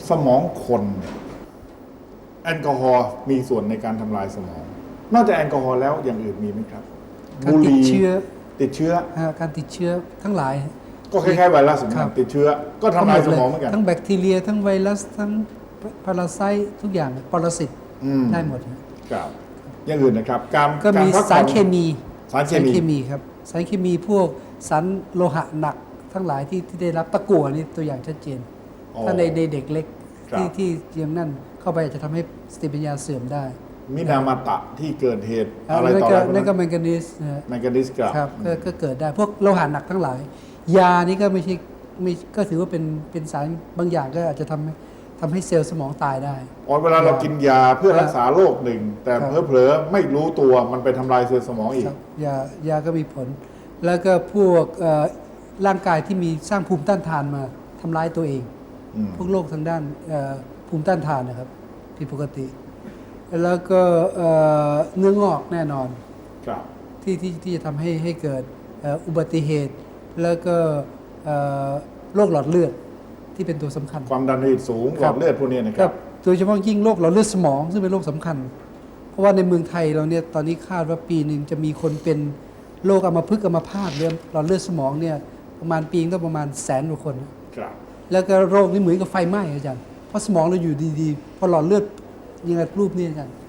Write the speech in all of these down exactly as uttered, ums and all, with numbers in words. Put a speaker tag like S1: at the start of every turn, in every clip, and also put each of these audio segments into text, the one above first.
S1: สมองคนแอลกอฮอล์มีส่วนในการทำลายสมอง นอกจากแอลกอฮอล์แล้วอย่างอื่นมีไหมครับ
S2: การติดเชื้อ
S1: ติดเชื้อ
S2: การติดเชื้อทั้งหลาย
S1: ก็คล้ายๆไวรัสเหมือนกันติดเชื้อก็ทำลายสมองเหมือนกัน
S2: ทั้งแบคทีเรียทั้งไวรัสทั้งพาราไซต์ทุกอย่างปรสิตได้หมด
S1: ครับอย่างอื่นนะครับการ
S2: ก็มีสารเคมี
S1: สารเคมี
S2: ครับสารเคมีพวกสารโลหะหนักทั้งหลายที่ที่ได้รับตะกั่วนี่ตัวอย่างชัดเจนถ้าในเด็กเล็กที่ที่ยังนั่นเข้าไปจะทำให้สติปัญญาเสื่อมได้
S1: มินามาตะที่เกิดเหตุอะไรต่ออะไร
S2: นั่นก็แมงกานีส
S1: แมงกานีส
S2: ครับก็เกิดได้พวกโลหะหนักทั้งหลายยานี่ก็ไม่ใช่ไม่ก็ถือว่าเป็นเป็นสารบางอย่างก็อาจจะทำให้ทำให้เซลล์สมองตายได้
S1: อ๋อเวลาเรากินยาเพื่อรักษาโรคหนึ่งแต่เผลอๆไม่รู้ตัวมันไปทำลายเซลล์สมองอีก
S2: ยายาก็มีผลแล้วก็พวกร่างกายที่มีสร้างภูมิต้านทานมาทำร้ายตัวเองพวกโรคทางด้านภูมิต้านทานนะครับผิดปกติแล้วก็เนื้องอกแน่นอนที่ที่ที่จะทำให้ให้เกิดอุบัติเหตุแล้วก็โรคหลอดเลือดที่เป็นตัวสำคัญ
S1: ความดันโลหิตสูงหลอดเลือดพวกนี้นะครับ
S2: โดยเฉพาะยิ่งโรคหลอดเลือดสมองซึ่งเป็นโรคสำคัญเพราะว่าในเมืองไทยเราเนี่ยตอนนี้คาดว่าปีหนึ่งจะมีคนเป็นโรคอัมพฤกษ์อัมพาตเรื่องหลอดเลือดสมองเนี่ยประมาณปีต้องประมาณแสนกว่าคนแล้วก็โรคนี้เหมือนกับไฟไหม้อาจารย์เพราะสมองเราอยู่ดีๆพอหลอดเลือดยังไงรูปนี้อาจารย์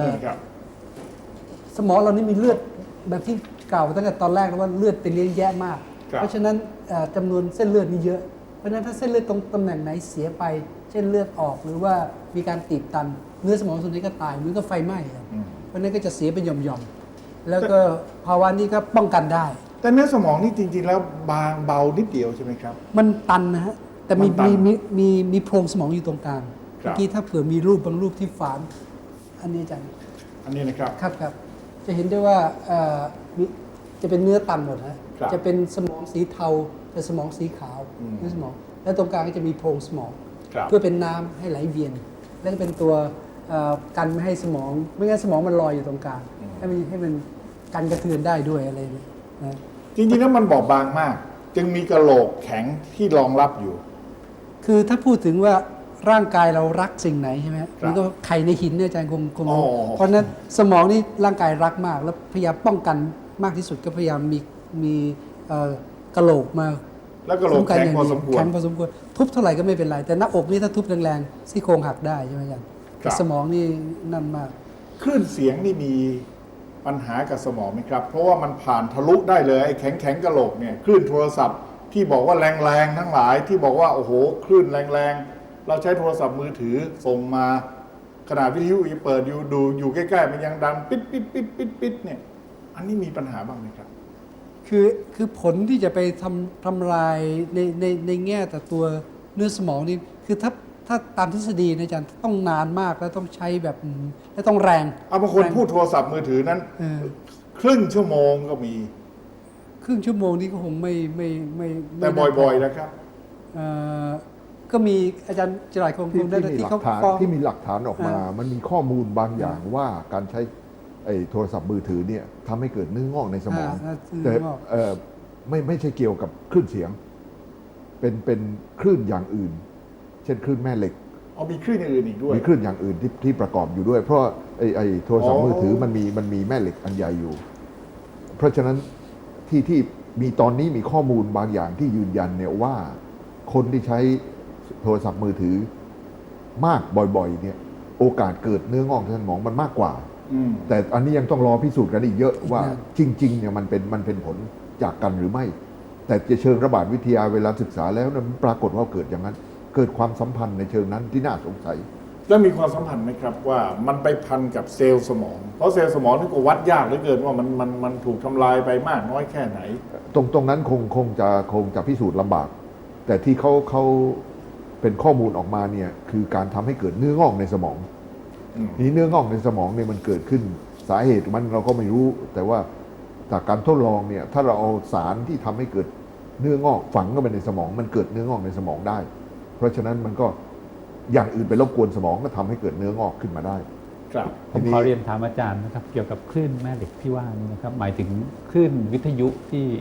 S2: สมองเรานี่มีเลือดแบบที่กล่าวตั้งแต่ตอนแรกแล้วว่าเลือดเป็นเลี้ยงแยะมากเพราะฉะนั้นจำนวนเส้นเลือดนี่เยอะเพราะฉะนั้นถ้าเส้นเลือดตรงตำแหน่งไหนเสียไปเช่นเลือดออกหรือว่ามีการตีบตันเนื้อสมองส่วนนี้ก็ตายเหมือนกับไฟไหม้เพราะนั้นก็จะเสียเป็นหย่อมๆแล้วก็ภาวะนี้ก็ป้องกันได้
S1: แต่เนื้อสมองนี่จริงๆแล้วบางเบานิดเดียวใช่ไหมครับ
S2: มันตันนะฮะแต่มีมีมีมีมีโพรงสมองอยู่ตรงกลางเมื่อกี้ถ้าเผื่อมีรูปบางรูปที่ฝานอันนี้อาจารย์
S1: อันนี้นะครับ
S2: ครับครับจะเห็นได้ว่าจะเป็นเนื้อตันหมดนะจะเป็นสมองสีเทาแต่สมองสีขาวเนื้อสมองและตรงกลางก็จะมีโพรงสมองเพื่อเป็นน้ำให้ไหลเวียนและก็เป็นตัวกันไม่ให้สมองไม่งั้นสมองมันลอยอยู่ตรงกลางให้มันให้มันกันกระเทือนได้ด้วยอะไรนี่นะ
S1: จริงๆแล้วมันบอบบางมากจึงมีกระโหลกแข็งที่รองรับอยู่
S2: คือถ้าพูดถึงว่าร่างกายเรารักสิ่งไหนใช่ไหมมันก็ไข่ในหินเนี่ยอาจารย์คงคงเพราะฉะนั้นสมองนี่ร่างกายรักมากแล้วพยายามป้องกันมากที่สุดก็พยายามมีมีกระโหลกมา
S1: แล้วกระโหลกแข็งพอสมควร
S2: แข็งพอสมควรทุบเท่าไหร่ก็ไม่เป็นไรแต่หน้าอกนี่ถ้าทุบแรงๆซี่โครงหักได้ใช่ไหมอาจารย์สมองนี่นั่นมาก
S1: คลื่นเสียงนี่มีปัญหากับสมองไหมครับเพราะว่ามันผ่านทะลุได้เลยไอ้แข็งแข็งกระโหลกเนี่ยคลื่นโทรศัพท์ที่บอกว่าแรงๆทั้งหลายที่บอกว่าโอ้โหคลื่นแรงๆเราใช้โทรศัพท์มือถือส่งมาขนาดวิทยุเปิดอยู่ดูอยู่ใกล้ๆมันยังดังปิดปิดปิดปิดปิดเนี่ยอันนี้มีปัญหาบ้างไหมครับ
S2: คือคือผลที่จะไปทำทำลายในในในแง่แต่ตัวเนื้อสมองนี่คือถ้าถ้าตามทฤษฎีนะอาจารย์ต้องนานมากแล้วต้องใช้แบบและต้องแรง
S1: เอาบางคนพูดโทรศัพท์มือถือนั้นครึ่งชั่วโมงก็มี
S2: ครึ่งชั่วโมงนี้ก็คงไม่ไม่ไม่
S1: แต่บ่อยๆนะครับ
S2: ก็มีอาจารย์จรายคงคงได้
S3: ที่เขาที่มีหลักฐานออกมามันมีข้อมูลบางอย่างว่าการใช้ไอ้โทรศัพท์มือถือเนี่ยทำให้เกิดเนื้องอกในสมองแต่ไม่ไม่ใช่เกี่ยวกับคลื่นเสียงเป็นเป็นคลื่นอย่างอื่นเช่นคลื่นแม่เหล็ก
S1: อ๋อมีคลื่นอย่างอื่นอีกด้วย
S3: มีคลื่นอย่างอื่นที่ที่ประกอบอยู่ด้วยเพราะไอ้ไอ้โทรศัพท์มือถือมันมีมันมีแม่เหล็กอันใหญ่อยู่เพราะฉะนั้นที่ที่มีตอนนี้มีข้อมูลบางอย่างที่ยืนยันเนี่ยว่าคนที่ใช้โทรศัพท์มือถือมากบ่อยๆเนี่ยโอกาสเกิดเนื้องอกในสมองมันมากกว่าแต่อันนี้ยังต้องรอพิสูจน์กันอีกเยอะว่าจริงๆเนี่ยมันเป็นมันเป็นผลจากกันหรือไม่แต่จะเชิงระบาดวิทยาเวลาศึกษาแล้วนะปรากฏว่าเกิดอย่างนั้นเกิดความสัมพันธ์ในเชิงนั้นที่น่าสงสัย
S1: แล้วมีความสัมพันธ์ไหมครับว่ามันไปพันกับเซลล์สมองเพราะเซลล์สมองนี่ก็วัดยากเหลือเกินว่ามันมันมันถูกทำลายไปมากน้อยแค่ไหน
S3: ตรงตรงนั้นคงคงจะคงจะพิสูจน์ลำบากแต่ที่เขาเขาเป็นข้อมูลออกมาเนี่ยคือการทำให้เกิดเนื้องอกในสมองนี้เนื้องอกในสมองเนี่ยมันเกิดขึ้นสาเหตุมันเราก็ไม่รู้แต่ว่าจากการทดลองเนี่ยถ้าเราเอาสารที่ทำให้เกิดเนื้องอกฝังเข้าไปในสมองมันเกิดเนื้องอกในสมองได้เพราะฉะนั้นมันก็อย่างอื่นไปรบกวนสมองก็ทำให้เกิดเนื้องอกขึ้นมาได้
S4: ครับผมขอเรียนถามอาจารย์นะครับเกี่ยวกับคลื่นแม่เหล็กที่ว่านี้นะครับหมายถึงคลื่นวิทยุที่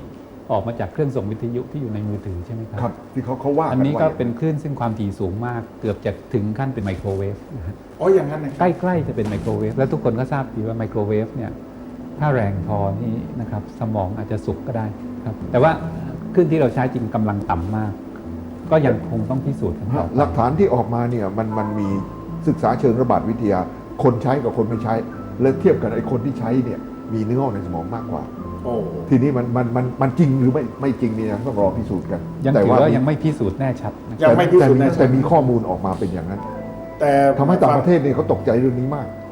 S4: ออกมาจากเครื่องส่งวิทยุที่อยู่ในมือถือใช่ไหมครับ
S3: ครับที่เขาเขาว่า
S4: อันนี้
S3: ว่า
S4: ก็
S3: ย่าง
S4: เป็นคลื่นซึ่งความถี่สูงมาก เกือบจะถึงขั้นเป็นไมโครเวฟนะฮะ
S1: อ๋ออย่างนั้นนะค
S4: ใก
S1: รับ
S4: ล้ๆจะเป็นไมโครเวฟแล้วทุกคนก็ทราบดีว่าไมโครเวฟเนี่ยถ้าแรงพอนี่นะครับสมองอาจจะสุกก็ได้ครับแต่ว่าคลื่นที่เราใช้จริงกำลังต่ำมาก ก็ยังคงต้องพิสูจน์กันต่อไป
S3: หลักฐานที่ออกมาเนี่ยมันมันมีศึกษาเชิงระบาดวิทยา คนใช้กับคนไม่ใช้ และเทียบกันไอ้คนที่ใช้เนี่ยมีเนื้องอกในสมองมากกว่า
S1: โอ้
S3: ทีนี้มันมันมันมันจริงหรือไม่ไม่จริงเนี่ยต้องรอพิสูจน์กัน
S4: ยัง
S3: แต่
S4: ถือว่ายังไม่พิสูจน์แน่ชัดนะครับ
S1: ยังไม่พิสูจน์
S3: แต่
S1: แน่
S3: แต่
S1: ชัด
S3: มีข้อมูลออกมาเป็นอย่างนั้น
S1: แต่
S3: ทำให้ต่างประเทศเนี่ยเขาตกใจเรื่องนี้มาก